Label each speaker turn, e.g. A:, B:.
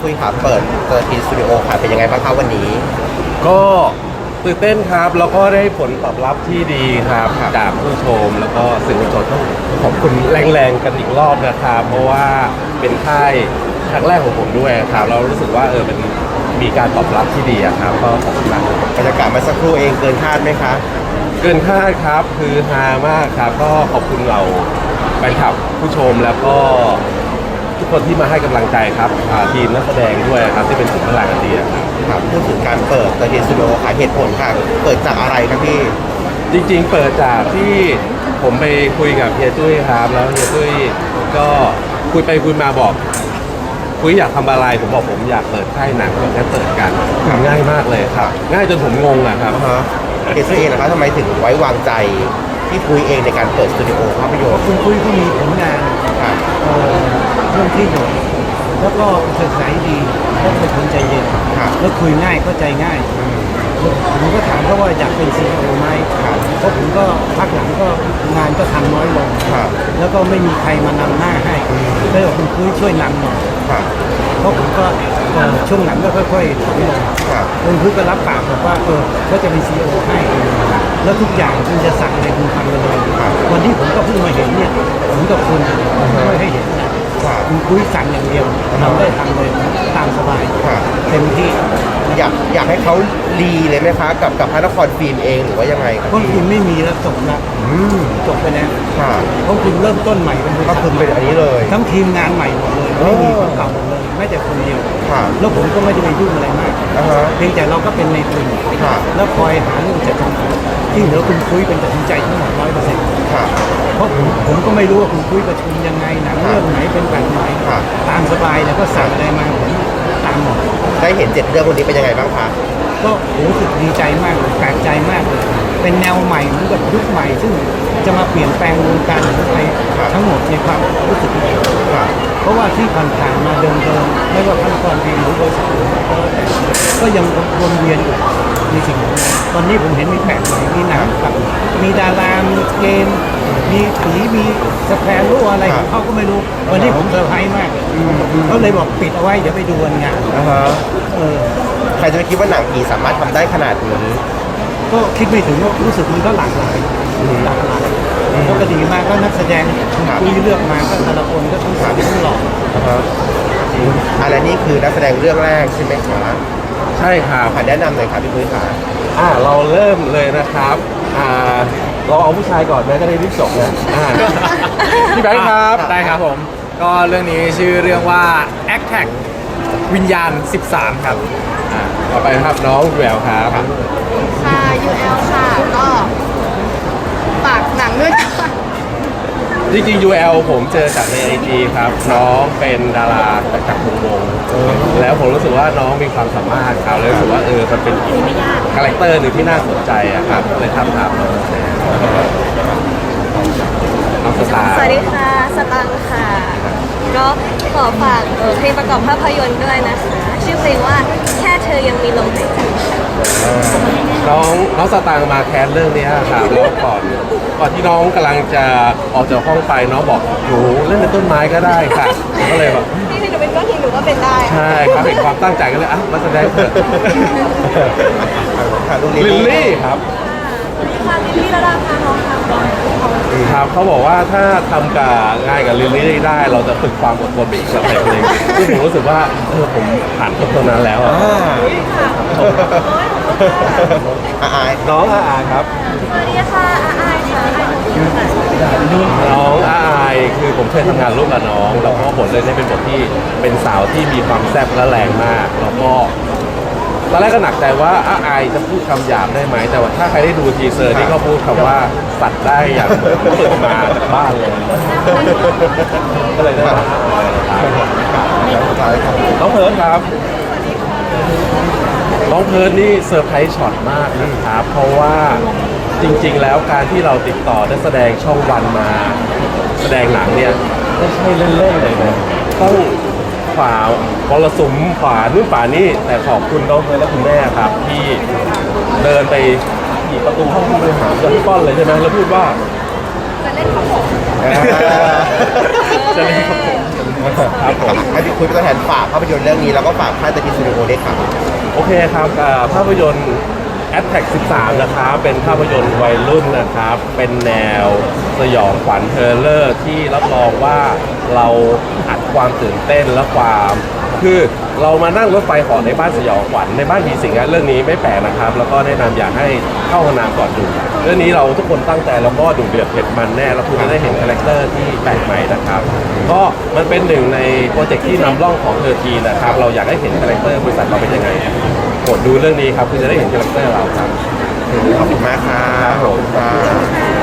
A: คุยขาเปิดทีสตูดิโอค่ะเป็นยังไงบ้างครับวันนี้
B: ก็ตื่นเต้นครับแล้วก็ได้ผลตอบรับที่ดีครับจากผู้ชมแล้วก็สื่อมวลชนต้องขอบคุณแรงๆกันอีกรอบนะครับเพราะว่าเป็นค่ายครั้งแรกของผมด้วยครับเรารู้สึกว่าเป็นมีการตอบรับที่ดีครับก็ขอบคุณมาก
A: บรรยากาศเมื่อสักครู่เองเกินคาดไหมคะ
B: เกินคาดครับคือฮามากครับก็ขอบคุณเราแฟนคลับผู้ชมแล้วก็ทุกคนที่มาให้กำลังใจครับทีมนักแสดงด้วยครับที่เป็นสุดพลังอันดี
A: ครับพูดถึงการเปิดทีสตูดิโอค่ะเหตุผลค่ะเปิดจากอะไรครับพี่
B: จริงๆเปิดจากที่ผมไปคุยกับเฮียตุ้ยครับแล้วเฮียตุ้ยก็คุยไปคุยมาบอกคุยอยากทำอะไรผมบอกผมอยากเปิดค่ายหนังก็แค่เปิดกันทำง่ายมากเลยครับง่ายจนผมงงอะครับ
A: เฮียตุ้ยเองนะครับทำไมถึงไว้วางใจที่คุยเองในการเปิดสตูดิโอภาพยนตร์
C: คุณคุยก็มีผลงานเรื่องที่หยดแล้วก็เฉยๆดีแล้วเป็นคนใจเย็นแล้วคุยง่ายก็ใจง่ายผมก็ถามเขาว่าอยากเป็นซีอีโอไหมเพราะผมก็พักหลังก็งานก็ทำน้อยลงแล้วก็ไม่มีใครมานำหน้าให้เลยบอกคุณคุยช่วยนำหน่อยเพราะผมก็ช่วงหลังก็ค่อยๆถอยลงคุณคุยก็รับปากบอกว่าก็จะเป็นซีอีโอให้แล้วทุกอย่างคุณจะสั่งอะไรคุณทำเลยวันที่ผมก็เพิ่งมาเห็นเนี่ยผมกับคุณไม่ให้เห็นนะคุณคุยสั่งอย่างเดียวเราได้ทำเลยตามสบายเต็มที่
A: อยากให้เขารีเลยไหมคะกับพระนครฟิล์มเองหรือว่ายังไงครับ
C: เพราะคุณไม่มีแล้วจบแล้วจบไปแล้วเพราะคุณเริ่มต้นใหม่เป็น
A: ก็คือเป็นอันนี้เลย
C: ทั้งทีมงานใหม่หมดเลยไม่มีคนเก่าหมดเลยแม้แต่คนเดียวแล้วผมก็ไม่ได้ไปยุ่งอะไรมากเพียงแต่เราก็เป็นในทุนแล้วคอยหาเรื่องจัดการที่เหลือคุณคุยเป็นตัดสินใจทั้งหมด100%เพราะผมก็ไม่รู้ว่าคุณคุยประชุมยังไงหนังเรื่องไหนเป็นแบบไหนตามสบายแล้วก็สั่งอะไรมาผมตามหมด
A: ได้เห็น7 เรื่องวันนี้เป็นยังไงบ้างคะ
C: ก็รู้สึกดีใจมากเลยแปลกใจมากเลยเป็นแนวใหม่เหมือนกับยุคใหม่ซึ่งจะมาเปลี่ยนแปลงวงการหนังไทยทั้งหมดในความรู้สึกนี้เพราะว่าที่ผ่านๆมาเดิมๆไม่ว่าพระนครฟิล์มหรือบริษัทอื่นก็ยังวนเวียนอยู่มีสิ่งตอนนี้ผมเห็นมีแปลกใหม่มีหนังกับมีดารามีเกมมีผีมีสแปร์รู้อะไรของเขาก็ไม่รู้วันนี้ผมเซอร์ไพรส์มากเขาเลยบอกปิดเอาไว้เดี๋ยวไปดูวันงาน
A: ใครจะไปคิดว่าหนังผีสามารถทำได้ขนาดนี้
C: ก็คิดไม่ถึงว่ารู้สึกมันก็หลากหลายก็ดีมากก็นักแสดงคุยเลือกมาก็แต่ละคนก็ต้องสาวต้องหล่อ
A: อะไรนี่คือนักแสดงเรื่องแรกใช่ไหมครับ
B: ใช่ครับ
A: แนะนำเลยครับพี่ปุ้ยขา
B: เราเริ่มเลยนะครับเราเอาผู้ชายก่อนไหมก็ได้รีบจบนะพี่แบงค์ครับ
D: ได้ครับผมก็เรื่องนี้ชื่อเรื่องว่า a c t a c วิญญาณ13ครับ
B: ต่อไปครับน้องแววครับ
E: ค่ะ UL ค่ะก็ฝากหนังด้วยค่ะ
B: จริงๆ UL ผมเจอจากใน IG ครับน้องเป็นดาราจากวงแล้วผมรู้สึกว่าน้องมีความสามารถครับเลยรู้สึกว่ามันเป็นคาแรคเตอร์หนึ่งที่น่าสนใจครับเลยทำน้องสตาร์
E: สวัสดีค่ะสตังค่ะก็ขอฝากเพลงประกอบภาพยนตร์ด้วยนะคะชื่อเพลงว่าแค่เธอยังมีลมหายใจ
B: น้องสตางค์มาแคสเรื่องนี้ครับแล้วก่อนที่น้องกำลังจะออกจากห้องไปน้องบอกหนูเล่นเป็นต้นไม้ก็ได้ค่ะก็เลยแบบ
E: นี่หนูเป็นก้อนหินหนูก็เป็นได้
B: ใช่ครับเห็นความตั้งใจก็เลยมาแสดงเถอะลิลลี่ครับ
E: ค่ะลิลลี่ระดาพาน้องครับ
B: ครับเขาบอกว่าถ้าทำกับงานกับลิลลี่ได้เราจะฝึกความอดทนไปอีกสเต็ปนึงซึ่งผมรู้สึกว่าผมผ่านตรงนั้นแล้วน้องอาครับ
E: สวัสดีค่ะอาค่ะ
B: น้องอาคือผมเคยทำงานร่วมกับน้องแล้วก็บทเรื่องนี้เป็นบทที่เป็นสาวที่มีความแซ่บและแรงมากแล้วก็ตอนแรกก็หนักใจว่าอาจะพูดคำหยาบได้ไหมแต่ว่าถ้าใครได้ดูทีเซอร์นี่ก็พูดคำว่าสัตว์ได้อย่างเปิดมาจากบ้านเลยก็เลยได้น้องเพิร์ดครับน้องเพิร์ดนี่เซอร์ไพรส์ช็อตมากนะครับเพราะว่าจริงๆแล้วการที่เราติดต่อนักแสดงช่องวันมาแสดงหนังเนี่ยไม่ใช่เล่นๆเลยนะต้องฝ่ามรสุมฝ่านู่นฝ่านี่แต่ขอบคุณน้องเพิร์ดและคุณแม่ครับที่เดินไปที่ประตูห้องผู้บริหารกับพี่ป้อนเลยใช่ไหมแล้วพูดว่าจะเล่นครับผมจะเล่นครับผมครับผม
A: ให้พี่คุยเป็นตัวแทนฝากภาพยนตร์เรื่องนี้แล้วก็ฝากค่ายตะกี้สตูดิโอด้วยครับ
B: โอเคครับภาพยนตร์ Attack 13 นะครับเป็นภาพยนตร์วัยรุ่นนะครับ เป็นแนวสยองขวัญเฮอร์เรอร์ที่รับรองว่าเราอัดความตื่นเต้นและความคือเรามานั่งรถไฟเหาะในบ้านสยองขวัญในบ้านผีสิงเรื่องนี้ไม่แปลกนะครับ แล้วก็แนะนำอยากให้เข้าห้องน้ำก่อนดูเรื่องนี้เราทุกคนตั้งใจแล้วก็ดุเดือดเผ็ดมันแน่แล้วคุณจะได้เห็นคาแรคเตอร์ที่แปลกใหม่นะครับ ก็มันเป็นหนึ่งในโปรเจกต์ที่นำร่องของเธอทีนะครับเราอยากให้เห็นคาแรคเตอร์บริษัทเราเป็นยังไงกดดูเรื่องนี้ครับคุณจะได้เห็นคาแรคเตอร์เราครับ
A: ขอบคุณมากครับขอบคุณครับ